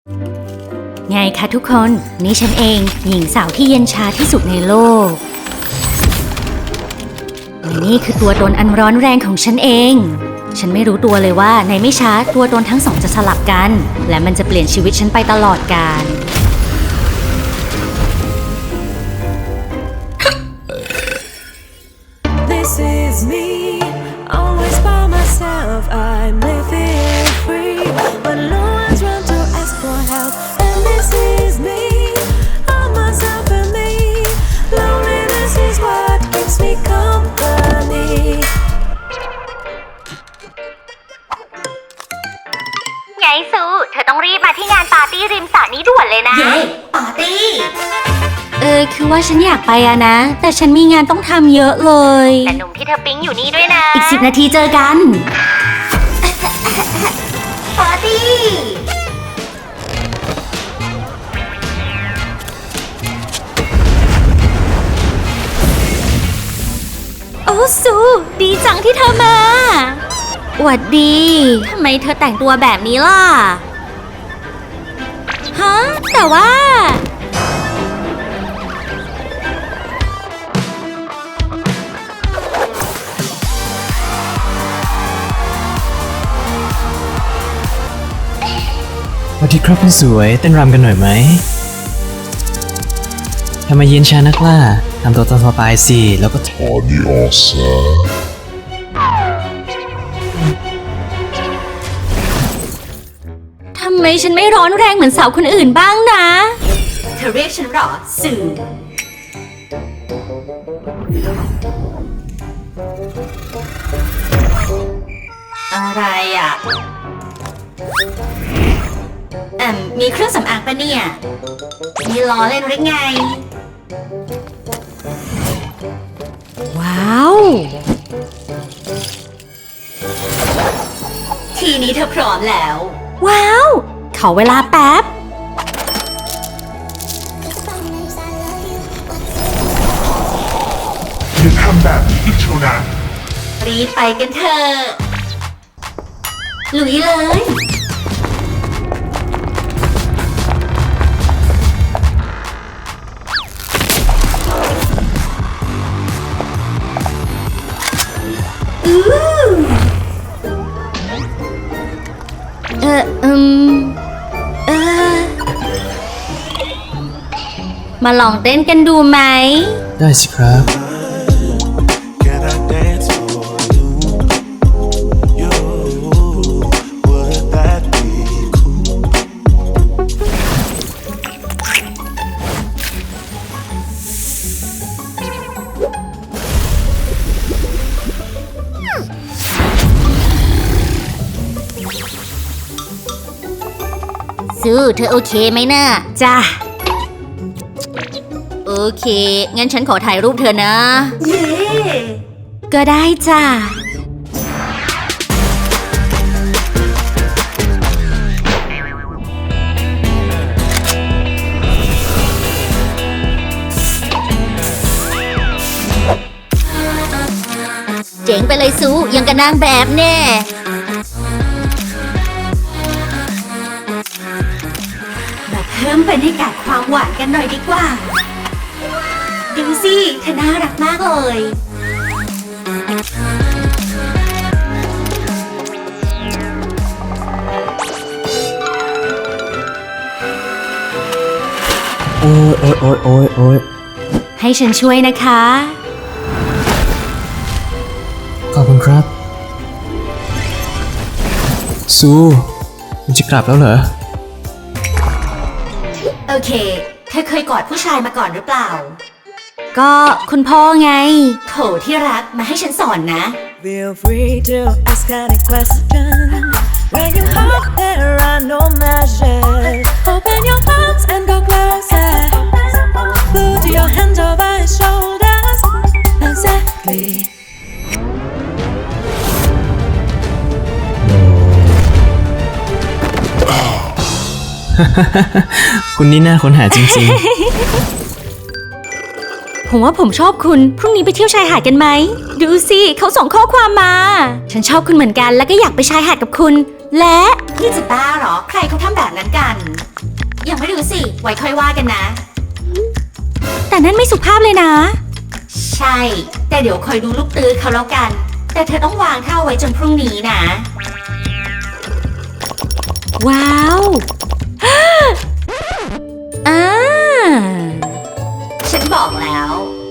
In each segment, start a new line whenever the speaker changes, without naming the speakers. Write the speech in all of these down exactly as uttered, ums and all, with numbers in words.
ไงคะทุกคนนี่ฉันเองหญิงสาวที่เย็นชาที่สุดในโลกและนี่คือตัวตนอันร้อนแรงของฉันเองฉันไม่รู้ตัวเลยว่าในไม่ช้าตัวตนทั้งสองจะสลับกันและมันจะเปลี่ยนชีวิตฉันไปตลอดกาล
This is me, always by myself. I'm living free, but no one's run to ask for help. And this is me, all myself and me. Loneliness is what keeps me company.
ไงซูเธอต้องรีบมาที่งานปาร์ตี้ริมสระนี้ด่วนเลยนะเย้ปาร์ตี้เออคือว่าฉันอยากไปอะนะแต่ฉันมีงานต้องทำเยอะเลยแต่หนุ่มที่เธอปิ๊งอยู่นี่ด้วยนะอีกสิบนาทีเจอกันปาร์ตี้โอ้ซูดีจังที่เธอมาหวัดดีทำไมเธอแต่งตัวแบบนี้ล่ะฮะแต่ว่า
สวัสดีครับคุณสวยเต้นรำกันหน่อยไหมทำไมเย็นชานักล่ะทำตัวตามสบายสิแล้วก็ถอดออกซะ
ทำไมฉันไม่ร้อนแรงเหมือนสาวคนอื่นบ้างนะเธอเรียกฉันหรอสื่ออะไรอ่ะแอมมีเครื่องสำอางปะเนี่ยมีล้อเล่นหรือไงว้าวทีนี้เธอพร้อมแล้วว้าวขอเวลาแป๊บ
อย่าทำแบบนี้อีกเท่านั้น
รีบไปกันเถอะลุยเลย เอออืมเออมาลองเต้นกันดูไหม
ได้สิครับ
Can I dance for you? You, would that be cool?
ซูเธอโอเคไหมน่ะจ้าโอเคงั้นฉันขอถ่ายรูปเธอนะเย้ก็ได้จ้าเจ๋งไปเลยซูยังกับนางแบบแน่เพิ่มบรรยากาศความหวานกันหน่อยดีกว่าดูสิเธอน่ารักมากเลย
โอ้ยโอ้ยโอ้ยโอ้ยโอ้ย
ให้ฉันช่วยนะคะ
ขอบคุณครับซูคุณจะกลับแล้วเหรอ
โอเคเธอเคยกอดผู้ชายมาก่อนหรือเปล่าก็คุณพ่อไงโถที่รักมาให้ฉันสอนนะ
Feel free to ask any question. When you hop there are no measures. Open your arms and go closer. Put your hands over his shoulders. Exactly.
คุณนี่น่าค้นหาจริง
ๆ ผมว่าผมชอบคุณพรุ่งนี้ไปเที่ยวชายหาดกันไหมดูสิเขาส่งข้อความมาฉันชอบคุณเหมือนกันแล้วก็อยากไปชายหาดกับคุณและนี่จะบ้าเหรอใครเขาทำแบบนั้นกัน ยังไม่รู้สิไว้ค่อยว่ากันนะ แต่นั่นไม่สุภาพเลยนะ ใช่แต่เดี๋ยวคอยดูลูกตื้อเขาแล้วกัน แต่เธอต้องวางท่าไว้จนพรุ่งนี้นะ ว้าว อ่าฉันบอกแล้ว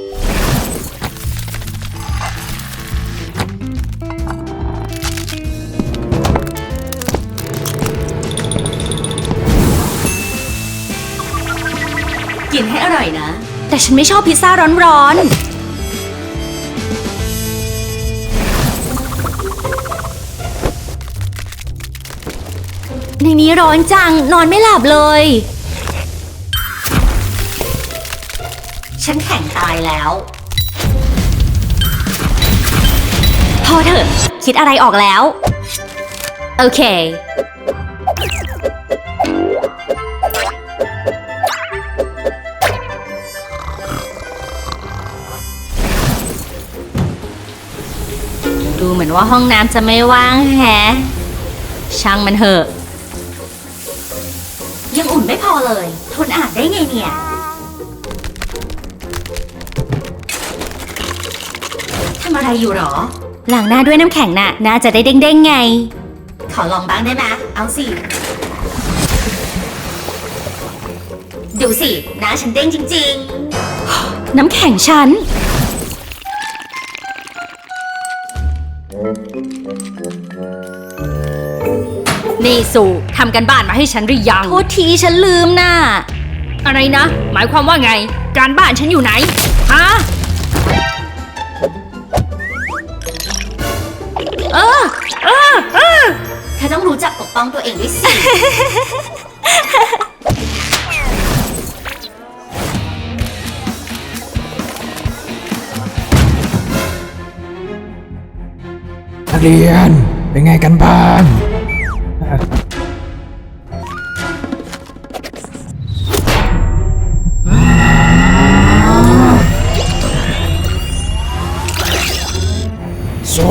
กินให้อร่อยนะ แต่ฉันไม่ชอบพิซซ่าร้อนๆ ในนี้ร้อนจังนอนไม่หลับเลย ฉันแข็งตายแล้ว พอเถอะคิดอะไรออกแล้ว โอเค ดูเหมือนว่าห้องน้ำจะไม่ว่างแฮะ ช่างมันเถอะ ยังอุ่นไม่พอเลย ทนอาบได้ไงเนี่ยทำอะไรอยู่หรอล้างหน้าด้วยน้ำแข็งน่ะน่าจะได้เด้งๆไง ขอลองบ้างได้ไหมเอาสิ ดูสิหน้าฉันเด้งจริงๆ น้ำแข็งฉัน นี่สู่ทำกันบ้านมาให้ฉันหรือยังโทษทีฉันลืมน่ะอะไรนะ หมายความว่าไง การบ้านฉันอยู่ไหน ฮะ เออเออเออเธอต้องรู้จักปกป้องตัวเองด้วยสิ
นักเรียนเป็นไงกันบ้างโซ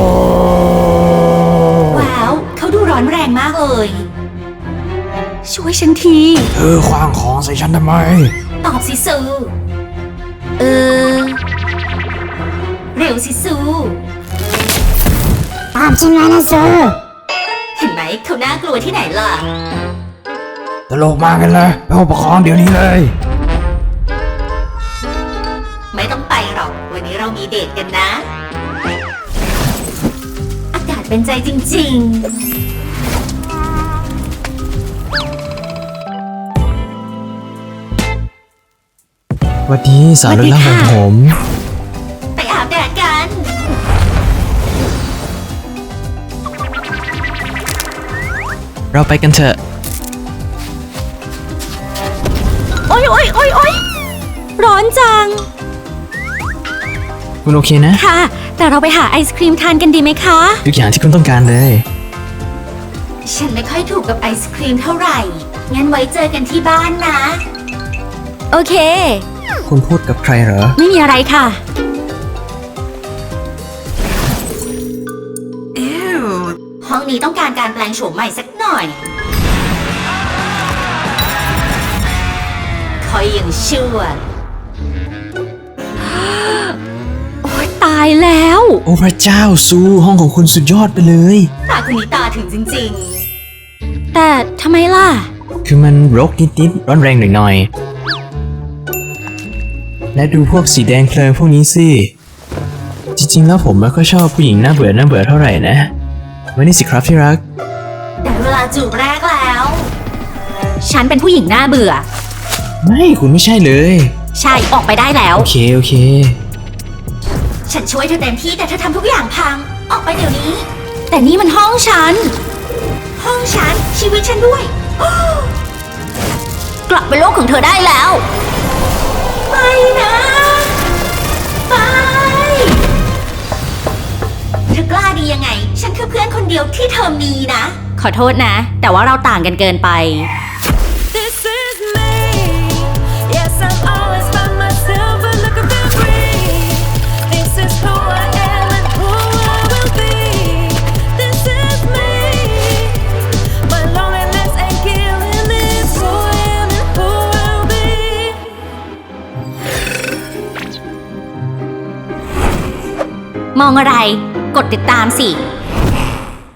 ว้าวเขาดูร้อนแรงมากเลย ช่วยฉันที
เธอขว้างของใส่ฉันทำไม
ตอบสิซูเออ เร็วสิซูตามฉันมานะซูเห็นไหมเขาน่ากลัวที่ไหนล่ะ
ตลกมากกันเลยไปห้องปกครองเดี๋ยวนี้เลย
ไม่ต้องไปหรอก วันนี้เรามีเดทกันนะ อากาศเป็นใจจริงๆ
สวัสดีสาวรุ่นล่างของผม
ไปอาบแดดกัน
เราไปกันเถอะ
โอ๊ยโอ๊ยโอ๊ยโอ๊ยร้อนจัง
คุณโอเคนะ
ค่ะ แต่เราไปหาไอศครีมทานกันดีไหมคะ
ทุกอย่างที่คุณต้องการเลย
ฉันไม่ค่อยถูกกับไอศครีมเท่าไหร่ งั้นไว้เจอกันที่บ้านนะ โอเค
คุณพูดกับใครเหรอ
ไม่มีอะไรค่ะ ห้องนี้ต้องการการแปลงโฉมใหม่สักหน่อย คอยยังชั่ว โอ๊ยตายแล้ว
โอ้พระเจ้าซูห้องของคุณสุดยอดไปเลย
ตาคนนี้ตาถึงจริงๆ แต่ทำไมล่ะ
คือมันรกนิดๆร้อนแรงหน่อยๆ และดูพวกสีแดงเพลิงพวกนี้สิ จริงๆแล้วผมไม่ค่อยชอบผู้หญิงหน้าเบื่อหน้าเบื่อเท่าไหร่นะวันนี้สิครับที่รัก
แต่เวลาจูบแรกแล้ว ฉันเป็นผู้หญิงหน้าเบื่อ
ไม่คุณไม่ใช่เลย
ใช่ออกไปได้แล้ว
โอเคโอเค
ฉันช่วยเธอเต็มที่แต่เธอทำทุกอย่างพัง ออกไปเดี๋ยวนี้ แต่นี่มันห้องฉัน ห้องฉันชีวิตฉันด้วย กลับไปโลกของเธอได้แล้วไปนะไปเธอกล้าดียังไง ฉันคือเพื่อนคนเดียวที่เธอมีนะ ขอโทษนะ แต่ว่าเราต่างกันเกินไป
This is me. Yes, I'm always by myself, but look at me breathe. This is who I am and who I will be. This is me.
มองอะไร กดติดตามสิ